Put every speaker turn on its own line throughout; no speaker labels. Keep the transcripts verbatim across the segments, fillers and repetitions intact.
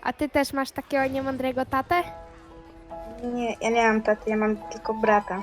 A ty też masz takiego niemądrego tatę?
Nie, ja nie mam taty, ja mam tylko brata.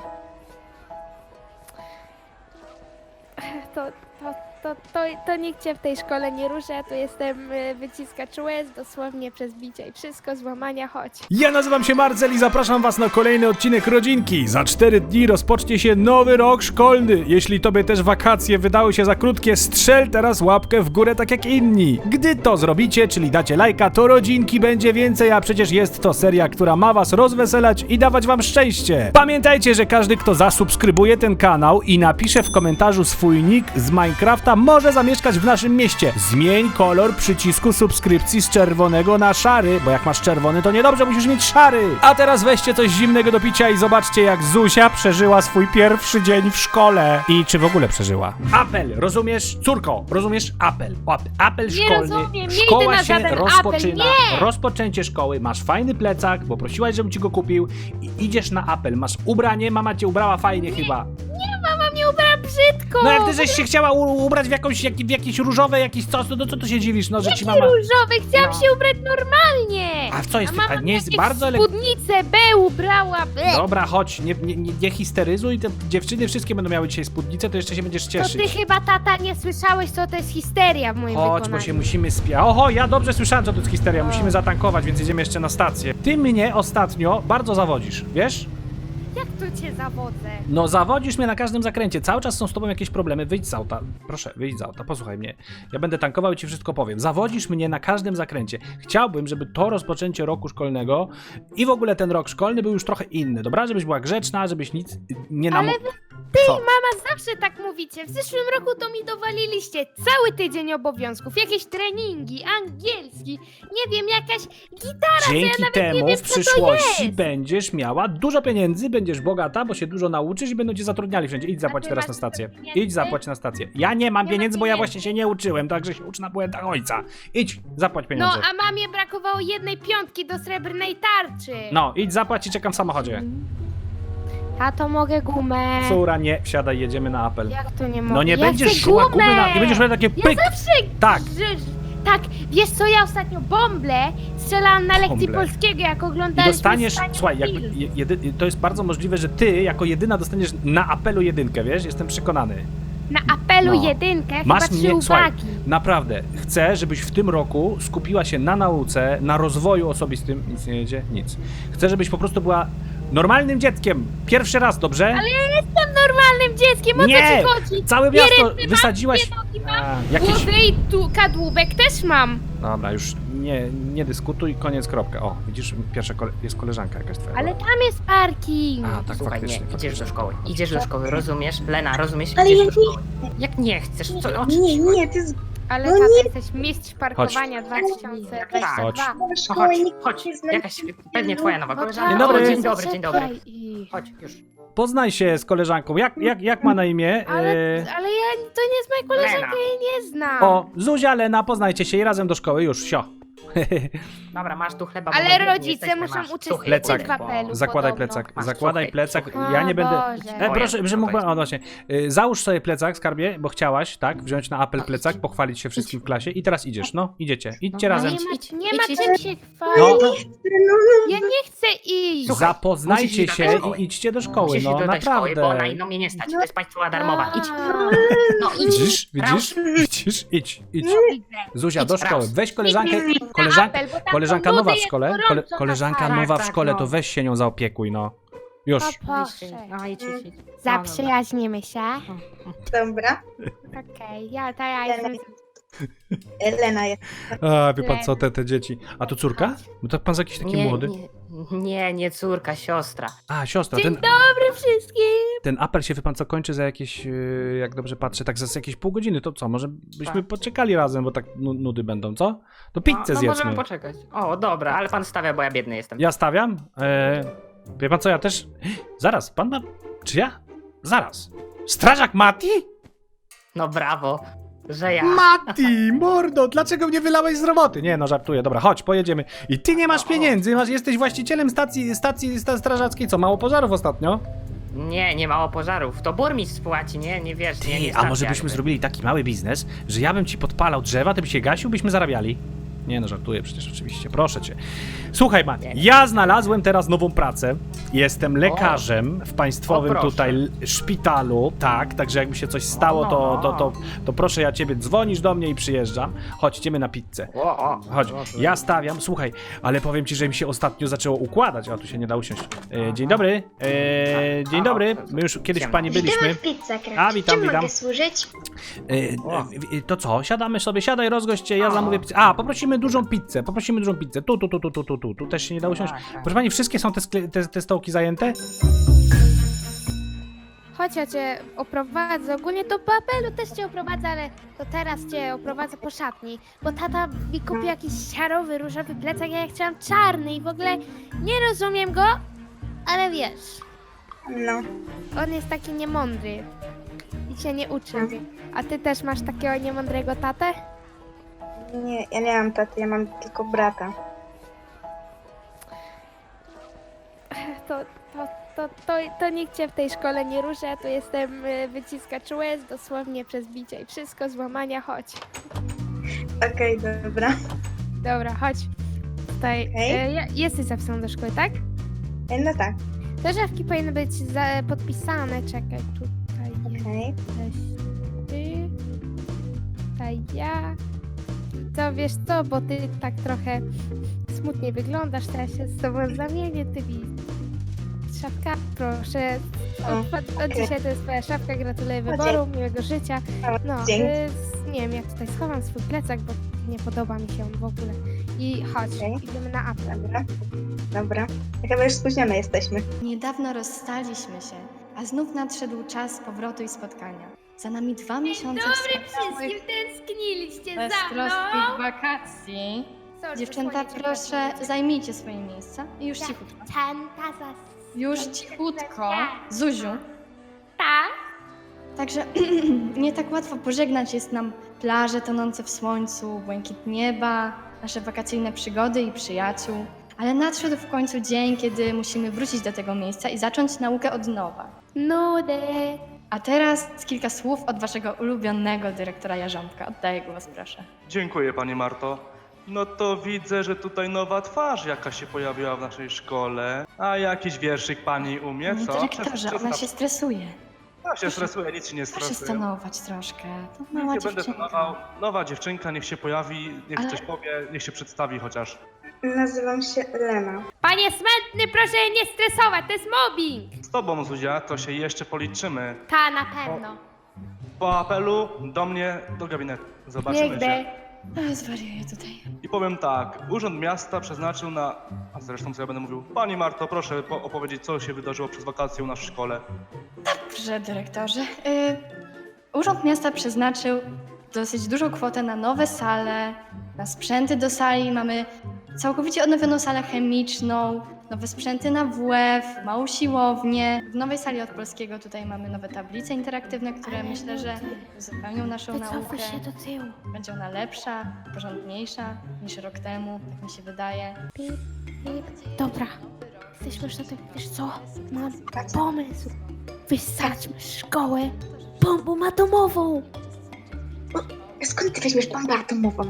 To, to, to, to, to nikt cię w tej szkole nie ruszy, ja tu jestem y, wyciskacz łez, dosłownie przez bicie i wszystko, złamania, chodź.
Ja nazywam się Marcel i zapraszam was na kolejny odcinek Rodzinki. Za cztery dni rozpocznie się nowy rok szkolny. Jeśli tobie też wakacje wydały się za krótkie, strzel teraz łapkę w górę tak jak inni. Gdy to zrobicie, czyli dacie lajka, to Rodzinki będzie więcej, a przecież jest to seria, która ma was rozweselać i dawać wam szczęście. Pamiętajcie, że każdy, kto zasubskrybuje ten kanał i napisze w komentarzu swój nick z Minecrafta, może zamieszkać w naszym mieście. Zmień kolor przycisku subskrypcji z czerwonego na szary, bo jak masz czerwony, to niedobrze, musisz mieć szary. A teraz weźcie coś zimnego do picia i zobaczcie, jak Zuzia przeżyła swój pierwszy dzień w szkole. I czy w ogóle przeżyła. Apel, rozumiesz? Córko, rozumiesz? Apel. Ap- apel
Nie
szkolny.
rozumiem, nie idę
Szkoła
na
się
żaden
rozpoczyna.
apel, nie!
Rozpoczęcie szkoły, masz fajny plecak, bo prosiłaś, żebym ci go kupił i idziesz na apel. Masz ubranie, mama cię ubrała fajnie chyba.
Mama mnie ubrała brzydko!
No jak ty żeś się chciała u- ubrać w jakąś, jak, w jakieś różowe, jakieś coś, no to co tu się dziwisz, no że ci mama...
Różowy, chciałam
No.
się ubrać normalnie!
A w co jest?
A mama
A nie jest
jakieś
bardzo ele...
spódnicę B ubrała, B!
Dobra, chodź, nie, nie, nie, nie histeryzuj, te dziewczyny wszystkie będą miały dzisiaj spódnicę, to jeszcze się będziesz
To
cieszyć.
ty chyba, tata, nie słyszałeś, co to jest histeria w moim
Chodź,
wykonaniu.
bo się musimy spia... Oho, ja dobrze słyszałem, co to jest histeria,
O.
musimy zatankować, więc jedziemy jeszcze na stację. Ty mnie ostatnio bardzo zawodzisz, wiesz?
Jak to cię zawodzę?
No zawodzisz mnie na każdym zakręcie, cały czas są z tobą jakieś problemy, wyjdź z auta, proszę, wyjdź z auta, posłuchaj mnie. Ja będę tankował i ci wszystko powiem. Zawodzisz mnie na każdym zakręcie. Chciałbym, żeby to rozpoczęcie roku szkolnego i w ogóle ten rok szkolny był już trochę inny, dobra? Żebyś była grzeczna, żebyś nic nie nam...
Ale wy, ty i mama zawsze tak mówicie. W zeszłym roku to mi dowaliliście cały tydzień obowiązków, jakieś treningi, angielski, nie wiem, jakaś gitara, co ja
Dzięki
nawet nie
temu
wiem,
w
co to
przyszłości
jest.
będziesz miała dużo pieniędzy, będziesz bogata, bo się dużo nauczysz i będą cię zatrudniali wszędzie. Idź zapłać
ty
teraz
masz
na stację.
dużo pieniędzy?
Idź zapłać na stację. Ja nie mam
Nie ma
pieniędzy, bo ja
pieniędzy.
właśnie się nie uczyłem, także się ucz na błędach ojca. Idź, zapłać
No,
pieniądze.
a mamie brakowało jednej piątki do srebrnej tarczy.
No, idź zapłać i czekam w samochodzie.
A to mogę gumę.
Córa, nie, wsiadaj, jedziemy na apel.
Jak to nie mogę?
No nie
ja
będziesz
chcę
szła
gumę.
gumy na... Nie będziesz miał takie
Ja
pyk!
zawsze...
Tak.
Że, tak, wiesz co, ja ostatnio bąble strzelałam na lekcji
Bąble.
polskiego, jak
I
oglądaliśmy
dostaniesz,
Staniu
słuchaj, jakby,
film.
je- jedy, to jest bardzo możliwe, że ty jako jedyna dostaniesz na apelu jedynkę, wiesz? Jestem przekonany.
Na apelu
No.
jedynkę,
Masz
chyba
mnie,
trzy
słuchaj,
uwagi.
naprawdę, chcę, żebyś w tym roku skupiła się na nauce, na rozwoju osobistym, nic nie jedzie, nic. Chcę, żebyś po prostu była normalnym dzieckiem, pierwszy raz, dobrze?
Ale ja jestem normalnym dzieckiem, o
Nie!
co ci chodzi?
Całe
Dwie
miasto
ręce mam,
wysadziłaś...
dwie nogi mam,
A, jakieś...
Głowę i tu kadłubek też mam.
Dobra, już nie, nie dyskutuj, koniec, kropka. O, widzisz, pierwsza kole... jest koleżanka jakaś twoja.
Ale tam jest parking.
A, tak,
Słuchaj,
faktycznie.
nie, idziesz do
faktycznie.
szkoły, idziesz do szkoły, rozumiesz? Lena, rozumiesz?
Ale
Idziesz
ja
do szkoły. Jak nie chcesz? Co, o czym
Nie,
ci chodzi?
nie, ty z
Ale
No
tata,
nie.
jesteś mistrz parkowania dwa tysiące dwudziestego
Chodź.
drugiego.
na
No
szkołę
chodź,
nikt
chodź,
nie zna.
jakaś pewnie twoja nowa
No
koleżanka.
Dzień
tak,
dobry.
O, dzień dobry, dzień dobry.
zaczekaj i-
Chodź, już.
Poznaj się z koleżanką. Jak, jak, jak ma na imię?
Ale,
E,
ale ja, to nie jest moja koleżanka,
Lena.
ja jej nie znam.
O, Zuzia, Lena, poznajcie się i razem do szkoły, już, sio.
Dobra, masz tu chleba.
Ale
bo my biedni
rodzice
jesteśmy,
muszą
masz tu
uczestniczyć
Plecak.
w apelu.
Zakładaj
podobno.
plecak,
Masz
zakładaj
suchy,
plecak.
suchy.
Ja nie
O
będę...
Boże.
E, proszę,
Ojej,
że mógłbym...
to jest-
O, właśnie. E, Załóż sobie plecak, skarbie, bo chciałaś, tak, wziąć na apel
No,
plecak,
idź.
pochwalić się wszystkim w klasie i teraz idziesz, no, idziecie. Idźcie
No,
razem.
Nie ma,
Idź,
nie
idź,
ma
idź,
czym
idź.
się
No,
chwalić.
No,
Ja nie chcę iść.
Słuchaj,
zapoznajcie
musisz iść do
się
tej szkoły.
i idźcie do szkoły,
Musisz
no,
iść do tej szkoły, bo na
naprawdę.
inną mnie nie stać. To jest państwowa darmowa. Idź.
A,
No idź.
Widzisz, widzisz, widzisz, idź, idź.
widzę.
Zuzia,
Idź,
do szkoły,
raz.
weź koleżankę,
Idź na
koleżanka,
apel, bo tam
koleżanka
są
nowa w
ludzie,
szkole,
jest
kole,
gorąco na
koleżanka
sali.
nowa w
Tak,
szkole,
no.
to weź się nią zaopiekuj, no. Już.
O proszę.
No idź, idź, idź. No,
Zaprzyjaźnimy się.
dobra.
Okej, ja, ta ja jestem...
Elena jest.
A, wie pan co, te, te dzieci. A to córka? Bo to pan jest jakiś taki
nie,
młody.
Nie, nie, nie córka, siostra.
A, siostra,
Dzień
ten,
dobry wszystkim.
ten apel się, wie pan co, kończy za jakieś, yy, jak dobrze patrzę, tak za jakieś pół godziny. To co, może byśmy
Tak.
poczekali razem, bo tak nu- nudy będą, co? To pizzę
no, no
zjedzmy.
możemy poczekać. O, dobra, ale pan stawia, bo ja biedny jestem.
Ja stawiam. E, wie pan co, ja też... Zaraz, pan ma... Czy ja? Zaraz. Strażak Mati?
No brawo, że ja.
Mati, mordo, dlaczego mnie wylałeś z roboty? Nie, no żartuję, dobra, chodź, pojedziemy. I ty nie masz
O.
pieniędzy, masz, jesteś właścicielem stacji, stacji sta- strażackiej, co, mało pożarów ostatnio?
Nie, nie mało pożarów. To burmistrz spłaci, nie? Nie wiesz, nie, nie
Ty, a może
stacja
byśmy
jakby.
zrobili taki mały biznes, że ja bym ci podpalał drzewa, ty byś się gasił, byśmy zarabiali. Nie no, żartuję przecież oczywiście, proszę cię. Słuchaj, Mati, ja znalazłem teraz nową pracę. Jestem lekarzem w państwowym
O, proszę.
tutaj l- szpitalu. Tak, także jakby się coś stało, to, to, to, to proszę ja ciebie, dzwonisz do mnie i przyjeżdżam. Chodź, idziemy na pizzę.
O, o,
Chodź,
o,
ja stawiam, słuchaj, ale powiem ci, że mi się ostatnio zaczęło układać. A tu się nie da usiąść. E, dzień dobry. E, dzień dobry. My już kiedyś w pani byliśmy.
Witamy w Pizza Craft.
A, witam,
Czym
witam.
mogę służyć?
E, e, to co? Siadamy sobie, siadaj, rozgość cię, ja zamówię pizzę. A, poprosimy dużą pizzę, poprosimy dużą pizzę. Tu, tu, tu, tu, tu, tu, tu. Tu też się nie da usiąść.
Tak, tak.
Proszę pani, wszystkie są te, skle- te, te stołki zajęte?
Chodź, ja cię oprowadzę. Ogólnie to po apelu też cię oprowadzę, ale to teraz cię oprowadzę po szatni. Bo tata mi kupił jakiś szarowy, różowy plecak, a ja chciałam czarny i w ogóle nie rozumiem go, ale wiesz,
No.
on jest taki niemądry i się nie uczy. A ty też masz takiego niemądrego tatę?
Nie, ja nie mam taty, ja mam tylko brata.
To, to, to, to, to nikt cię w tej szkole nie ruszy, ja tu jestem y, wyciskacz łez, dosłownie przez bicie i wszystko, złamania, chodź.
Okej, dobra.
Dobra, chodź. Tutaj,
Okej.
y, ja- jesteś zapisany do szkoły, tak?
E, No tak,
Te żawki powinny być za, podpisane, czekaj, tutaj
okej.
jesteś ty, tutaj ja. To wiesz co, bo ty tak trochę smutnie wyglądasz, to ja się z tobą zamienię, ty mi szafka, proszę.
O,
Od, od
okej.
dzisiaj to jest twoja szafka, gratuluję wyboru,
dzięki.
miłego życia. No,
Dzięki.
y, s- nie wiem, ja tutaj schowam swój plecak, bo nie podoba mi się on w ogóle. I chodź,
Okej.
idziemy na apel.
Dobra, dobra. Chyba już spóźnione jesteśmy.
Niedawno rozstaliśmy się, a znów nadszedł czas powrotu i spotkania. Za nami dwa miesiące wspaniałych,
tęskniliście
beztroskich wakacji.
Sorry,
Dziewczęta,
zasłonię cię
proszę,
bardziej.
zajmijcie swoje miejsca i już
Tak.
cichutko.
Czanta zas...
Już cichutko. Zuziu.
Tak?
Także nie tak łatwo pożegnać jest nam plaże tonące w słońcu, błękit nieba, nasze wakacyjne przygody i przyjaciół. Ale nadszedł w końcu dzień, kiedy musimy wrócić do tego miejsca i zacząć naukę od nowa.
Nudy.
A teraz kilka słów od waszego ulubionego dyrektora Jarząbka. Oddaję głos, proszę.
Dziękuję Pani Marto. No to widzę, że tutaj nowa twarz jaka się pojawiła w naszej szkole. A jakiś wierszyk Pani umie,
Panie
co?
dyrektorze,
Przed-
ona
przedstaw-
się stresuje.
Ja się stresuję, nic się nie
Proszę
stresuje.
stanować troszkę. To
Nie
mała
będę
dziewczynka.
stanował. Nowa dziewczynka, niech się pojawi, niech
Ale-
coś powie, niech się przedstawi chociaż.
Nazywam się Lena.
Panie smętny, proszę nie stresować, to jest mobbing.
Z Tobą, Zuzia, to się jeszcze policzymy.
Ta, na pewno.
Po apelu do mnie, do gabinetu. Zobaczymy
Nigdy.
się.
No, zwariuję tutaj.
I powiem tak, Urząd Miasta przeznaczył na... A zresztą co ja będę mówił? Pani Marto, proszę po- opowiedzieć, co się wydarzyło przez wakacje u nas w szkole.
Dobrze, dyrektorze. Y, Urząd Miasta przeznaczył dosyć dużą kwotę na nowe sale, na sprzęty do sali. Mamy całkowicie odnowioną salę chemiczną, nowe sprzęty na W F, małą siłownię. W nowej sali od polskiego tutaj mamy nowe tablice interaktywne, które
Ale
myślę, że
ludzie.
uzupełnią naszą naukę.
Wycofuj się do tyłu.
Będzie ona lepsza, porządniejsza niż rok temu, tak mi się wydaje.
Pip, pip. Dobra, jesteśmy już na tym, wiesz co? Mam pomysł. Wysadźmy szkołę bombą atomową.
Skąd ty weźmiesz bombę atomową?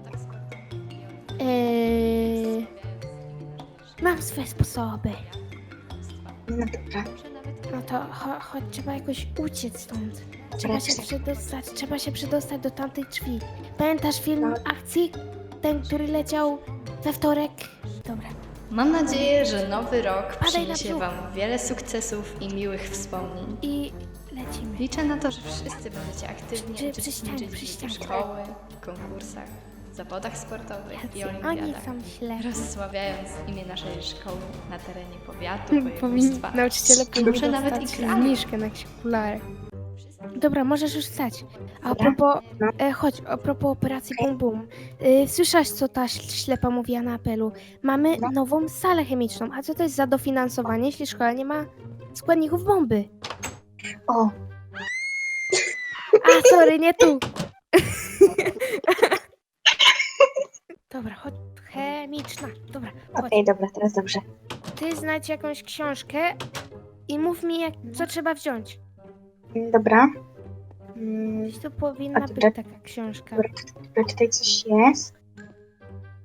Eee, mam swoje sposoby.
No dobra.
No to cho- chodź, trzeba jakoś uciec stąd. Trzeba się przedostać, trzeba się przedostać do tamtej drzwi. Pamiętasz film akcji? Ten, który leciał we wtorek? Dobra.
Mam nadzieję, że nowy rok
Padaj na
przyniesie
brzuch.
Wam wiele sukcesów i miłych wspomnień.
I lecimy.
Liczę na to, że wszyscy będziecie aktywnie
Przy- przy
uczestniczyć
ścianie, przy
w
ścianie.
szkoły, konkursach, zawodach sportowych i
Oni
olimpiadach,
są źle.
rozsławiając imię naszej szkoły na terenie powiatu,
Powinni
województwa.
nauczyciele powinni
Może nawet
dostać
i kraju.
zniżkę na jakieś okulary. Dobra, możesz już stać. A
Dobra.
propos,
No.
e, chodź, a propos operacji Bum Bum. E, słyszałaś, co ta ś- ślepa mówiła na apelu? Mamy
No.
nową salę chemiczną. A co to jest za dofinansowanie, jeśli szkoła nie ma składników bomby?
O,
A, sorry, nie tu. Dobra, chodź. Chemiczna. Dobra, chodź.
okej, dobra, teraz dobrze.
Ty znajdź jakąś książkę i mów mi, jak, co trzeba wziąć.
Dobra. Mm,
Gdzieś tu powinna
A
być
dobra.
taka książka.
Dobra, tutaj coś jest.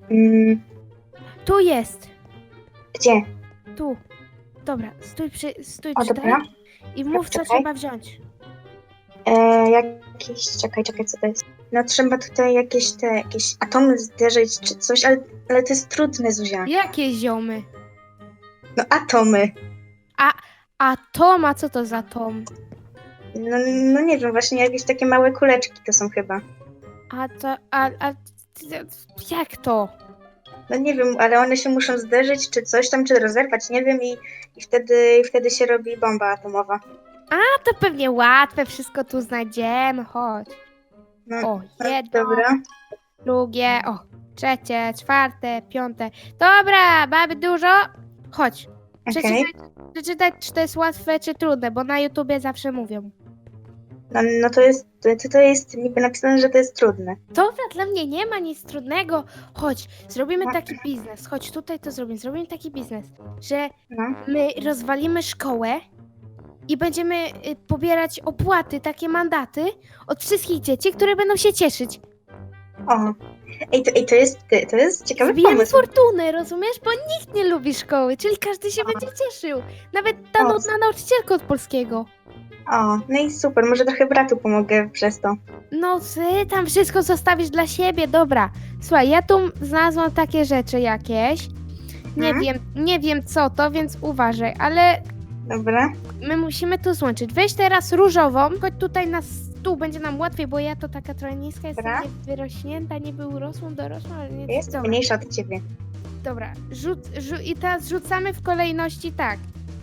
Mm,
Tu jest.
gdzie?
Tu. Dobra, stój przy, stój
O,
przy
dobra.
tej i mów, co
Czekaj.
trzeba wziąć.
E, jakieś, czekaj, czekaj, co to jest? No trzeba tutaj jakieś te, jakieś atomy zderzyć czy coś, ale, ale to jest trudne, Zuzia.
Jakie ziomy?
No atomy.
A Tom, a co to za Tom?
No, no nie wiem, właśnie jakieś takie małe kuleczki to są chyba.
A to, a, a, jak to?
No nie wiem, ale one się muszą zderzyć, czy coś tam, czy rozerwać, nie wiem, i, i, wtedy, i wtedy się robi bomba atomowa.
A to pewnie łatwe, wszystko tu znajdziemy, chodź.
No,
O,
no,
jedno,
dobra.
drugie, o, trzecie, czwarte, piąte. Dobra, mamy dużo. Chodź,
Okej.
przeczytaj, przeczytaj, czy to jest łatwe, czy trudne, bo na YouTubie zawsze mówią.
No, no to jest, to, to jest niby napisane, że to jest trudne.
Dobra, dla mnie nie ma nic trudnego. Chodź, zrobimy
No.
taki biznes. Chodź, tutaj to zrobimy. Zrobimy taki biznes, że
No,
my rozwalimy szkołę i będziemy y, pobierać opłaty, takie mandaty od wszystkich dzieci, które będą się cieszyć.
o. Ej, to, ej, to jest, to jest ciekawy
Zbijemy
pomysł.
fortunę, rozumiesz? Bo nikt nie lubi szkoły, czyli każdy się będzie cieszył. Nawet ta
O.
nudna nauczycielka od polskiego.
O, no i super, może trochę bratu pomogę przez to.
No ty tam wszystko zostawisz dla siebie, dobra. Słuchaj, ja tu znalazłam takie rzeczy jakieś. Nie
Mhm.
wiem, nie wiem co to, więc uważaj, ale
Dobra,
my musimy to złączyć. Weź teraz różową, chodź tutaj na stół, będzie nam łatwiej, bo ja to taka trochę niska, jestem
Dobra.
nie wyrośnięta, niby urosłą, dorosłą, ale nie
jest
dobra.
mniejsza od ciebie.
Dobra, rzut, rzu- i teraz rzucamy w kolejności tak.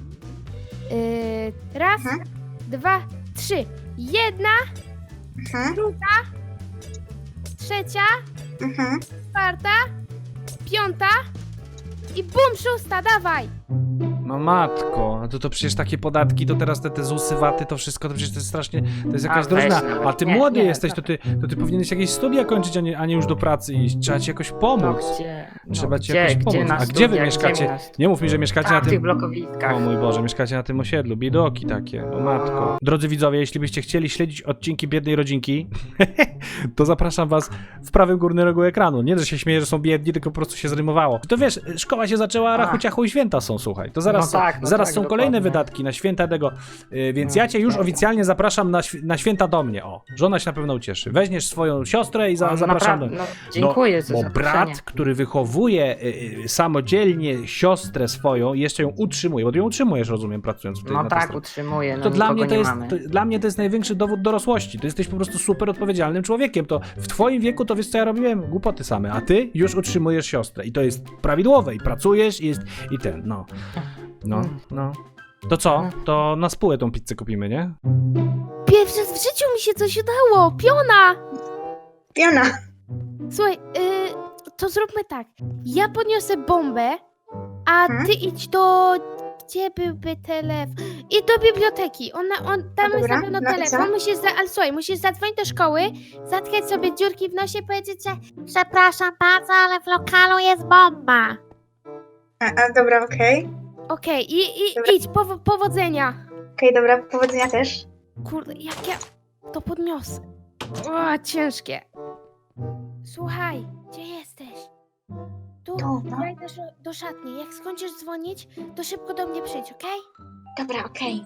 Yy, raz,
Mhm.
dwa, trzy. Jedna,
Mhm,
trzecia,
mhm.
czwarta, piąta i bum, szósta, dawaj!
No matko, a to, to przecież takie podatki, to teraz te, te ZUSy, waty, to wszystko, to przecież to jest strasznie, to jest jakaś
A, weź
drożyzna.
nawet.
A ty
Nie,
młody
nie,
jesteś, to ty, to ty powinieneś jakieś studia kończyć, a nie, a nie już do pracy iść. Trzeba ci jakoś
No
pomóc.
gdzie? No,
Trzeba ci
gdzie,
jakoś
gdzie
pomóc.
na
A gdzie wy
studiach,
mieszkacie?
Gdzie na stu-
Nie mów mi, że mieszkacie na
Tam, w tych
tym...
blokowiskach.
O mój Boże, mieszkacie na tym osiedlu, biedoki takie, o matko. Drodzy widzowie, jeśli byście chcieli śledzić odcinki Biednej Rodzinki, to zapraszam was w prawym górnym rogu ekranu. Nie, że się śmieję, że są biedni, tylko po prostu się zrymowało. To wiesz, szkoła się zaczęła,
A.
rachu ciachu i święta są, słuchaj. To zaraz,
No tak, no
zaraz
tak,
są kolejne
dokładnie.
wydatki na święta tego, yy, więc
No,
ja cię już
tak.
oficjalnie zapraszam na, świ- na święta do mnie, o. Żona się na pewno ucieszy. Weźmiesz swoją siostrę i za,
No,
zapraszam do...
naprawdę, no, dziękuję za
Bo
zaproszenie.
brat, który wychowuje y, y, samodzielnie siostrę swoją, jeszcze ją utrzymuje, bo ty ją utrzymujesz, rozumiem, pracując w tej,
No
na tej
tak,
stronie.
utrzymuję, no
To dla
nikogo
mnie to,
nie
jest,
mamy.
to, dla mnie to jest największy dowód dorosłości. To jesteś po prostu super odpowiedzialnym człowiekiem. To w twoim wieku to wiesz co ja robiłem? Głupoty same, a ty już utrzymujesz siostrę i to jest prawidłowe i pracujesz i jest i ten, no. No, no. To co? To na spółę tą pizzę kupimy, nie?
Pierwszy raz w życiu mi się coś udało! Piona!
Piona!
Słuchaj, yy, to zróbmy tak. Ja podniosę bombę, a
Mhm.
ty idź do... Gdzie byłby telefon? I do biblioteki. Ona, on, tam
No
jest
dobra,
na pewno
no i
telefon.
co?
Musisz za, ale słuchaj, musisz zadzwonić do szkoły, zatkać sobie dziurki w nosie i powiedzieć, że przepraszam bardzo, ale w lokalu jest bomba.
A, a dobra, okej.
Okej, i, i
Dobra.
idź, powo- powodzenia.
Okej, dobra, powodzenia też.
Kurde, jak ja to podniosę. O, ciężkie. Słuchaj, gdzie jesteś? Tu,
Tu, no.
ja idę do- do szatni. Jak skończysz dzwonić, to szybko do mnie przyjdź, okej?
Dobra, okej.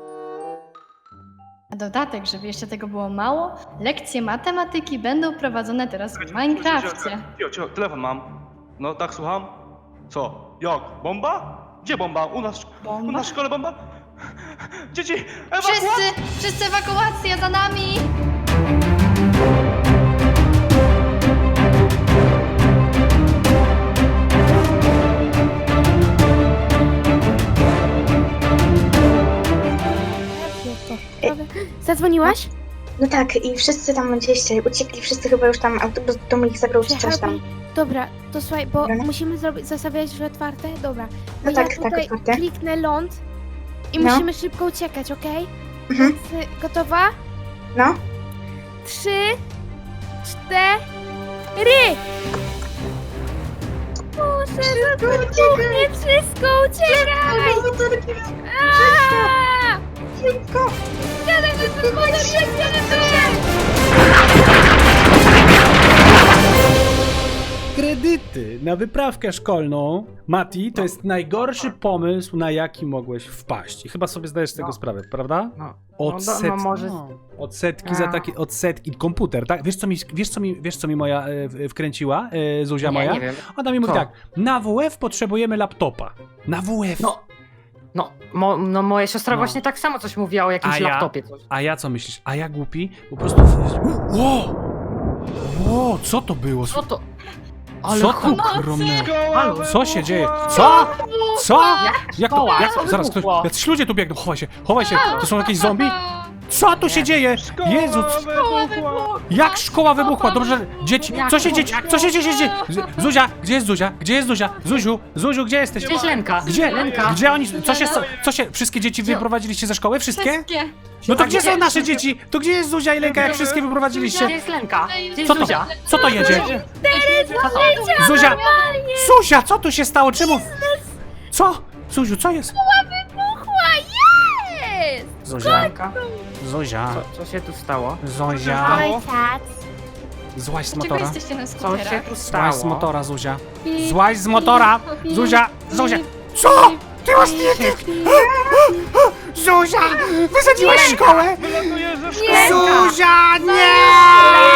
Na dodatek, żeby jeszcze tego było mało, lekcje matematyki będą prowadzone teraz w Minecrafcie.
Cio, cio, telefon mam. No tak, słucham? Co? Jak? Bomba? Gdzie bomba? U nas, u
Bomba?
nas w szkole bomba? Dzieci, ewakuacja!
Wszyscy, wszyscy ewakuacja za nami!
Dobra. Zadzwoniłaś?
No tak, i wszyscy tam gdzieś uciekli, wszyscy chyba już tam, autobus do ich zabrał czy coś tam.
Przejechali? Dobra, to słuchaj, bo
Dobra.
musimy zrobić, zostawiać drzwi otwarte? Dobra. Bo
No tak,
ja
tak,
tutaj
otwarte.
kliknę ląd i
No.
musimy szybko uciekać, okej?
Mhm.
Więc, y, gotowa?
No,
Trzy, cztery! Muszę zabuchnie wszystko, uciekaj! Aaaa!
szybko!
Siadaj do samochodu, siadaj do
kredyty na wyprawkę szkolną. Mati, to jest najgorszy pomysł, na jaki mogłeś wpaść. I chyba sobie zdajesz z tego
No.
sprawę, prawda?
No,
Odsetki,
no, no może...
no, odsetki za
A.
takie, odsetki, komputer, tak? Wiesz co mi, wiesz co mi, wiesz co mi moja e, w- wkręciła, e, Zuzia
Nie,
moja?
nie wiem.
Ona mi mówi
Co?
tak, na W F potrzebujemy laptopa. Na W F.
No, no, mo, no moja siostra
No.
właśnie tak samo coś mówiła o jakimś
A ja?
laptopie. Coś.
A ja co myślisz? A ja głupi? Po prostu... Ło! Ło, co to było?
Co to? Ale
Co to
huk.
ogromne?
Halo,
Co się dzieje? Co? Co? Jak to?
szkoła?
Jak,
Co
zaraz, ktoś,
wybuchło?
jacyś ludzie tu biegną, chowaj się, chowaj się, to są jakieś zombie? Co tu się dzieje? Jezu,
wybuchła!
jak szkoła wybuchła? Dobrze, dzieci,
Jak
co się
to?
dzieje? Co się dzieje? dzieje? Z- Zuzia, gdzie jest Zuzia? Gdzie jest Zuzia? Zuziu, Zuziu, gdzie jesteś?
Gdzie jest Lenka?
Gdzie?
Lenka?
Gdzie oni, co się, co się, wszystkie dzieci wyprowadziliście ze szkoły? Wszystkie?
Wszystkie.
No to
A
gdzie
gdzie?
są nasze dzieci? To gdzie jest Zuzia i Lenka, jak wszystkie
Gdzie
wyprowadziliście?
jest Lenka? Gdzie jest
Co to?
Zuzia?
Co to jedzie?
Co to?
Zuzia! Zuzia, co tu się stało? Czemu? Co? Zuziu, co jest?
Wybuchła, jest!
Zuzia,
Lenka?
Zuzia,
Co, co się tu stało?
Zuzia.
Ojciec.
Złaź z
Dlaczego
motora.
jesteście na
Co się
skuterach?
tu
Złaź z
stało?
motora, Zuzia. Złaź z motora! Zuzia! Zuzia! Co? Ty masz nie... Zuzia! Wysadziłaś szkołę!
Wylatujesz ze szkoły!
Zuzia! Nie!